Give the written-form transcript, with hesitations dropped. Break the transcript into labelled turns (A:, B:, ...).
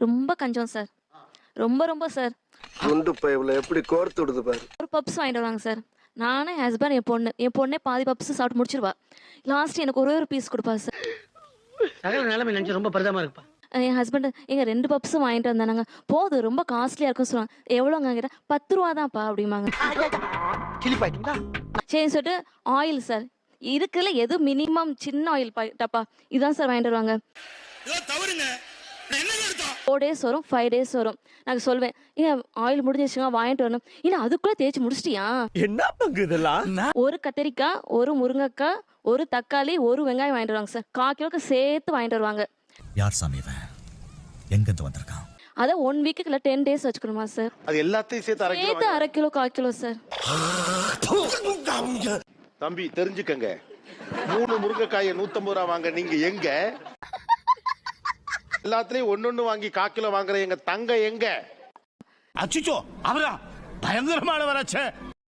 A: ரொம்ப கஞ்சம் சார். ரொம்ப ரொம்ப சார்.
B: குண்டு பைப்ல எப்படி கோர்த்து விடுது பாரு.
A: ஒரு பப்ஸ் வாங்கிட்டு வருவாங்க சார். நானு, என் ஹஸ்பண்ட், என் பொண்ணே பாதி பப்ஸ் சாப்பிட்டு முடிச்சிருவா. லாஸ்ட் எனக்கு ஒரே ஒரு பீஸ் குடுப்பாரு சார்.
C: சகல நிலைமை நினைச்சு ரொம்ப பரிதாபமா இருக்குப்பா.
A: என் ஹஸ்பண்ட் ஏங்க 2 பப்ஸும் வாங்கிட்டு வந்தானாங்க. போதும் ரொம்ப காஸ்ட்லியா இருக்குன்னு சொன்னாங்க. எவ்வளோங்க கேட்டா ₹10 தான்ப்பா அப்படிம்பாங்க.
C: கிளிப்பாயிட்டீங்களா?
A: சரின்னு சொல்லிட்டு ஆயில் சார். இருக்குல்ல எது மினிமம் சின்ன ஆயில் டப்பா இதான் சார் வாங்கிட்டு வருவாங்க. 4 டேஸ் வரும், 5 டேஸ் வரும். நான் சொல்வேன், ஏன் ஆயில் முடிஞ்சிருச்சுங்க வாங்கிட்டு வரணும். இல்ல அதுக்குள்ள தேய்ச்சி முடிச்சிட்டியா?
D: என்ன பங்கு இதெல்லாம்?
A: ஒரு கத்திரிக்காய், ஒரு முருங்கைக்காய், ஒரு தக்காளி, ஒரு வெங்காயம் வாங்கிட்டு வருவாங்க சார். 1/4 கிலோக்கு சேர்த்து வாங்கிட்டு வருவாங்க.
E: யார் சாமி இவன்? எங்கிருந்து வந்திருக்கான்?
A: அத 1 வீக்குக்கு இல்ல 10 டேஸ் வச்சுக்கணுமா சார்?
B: அது எல்லாத்தையும் சேர்த்து
A: சேர்த்து 1/2 கிலோ 1/4 கிலோ சார்.
F: தம்பி தெரிஞ்சுக்கங்க, 3 முருங்கைக்காயை 150 ரூபா வாங்க நீங்க எங்க? எல்லாத்துலயும் ஒன்னொன்னு வாங்கி 1/4 கிலோ வாங்குற எங்க தங்க எங்க?
D: அச்சுச்சோ அவரா பயங்கரமானவராச்சே.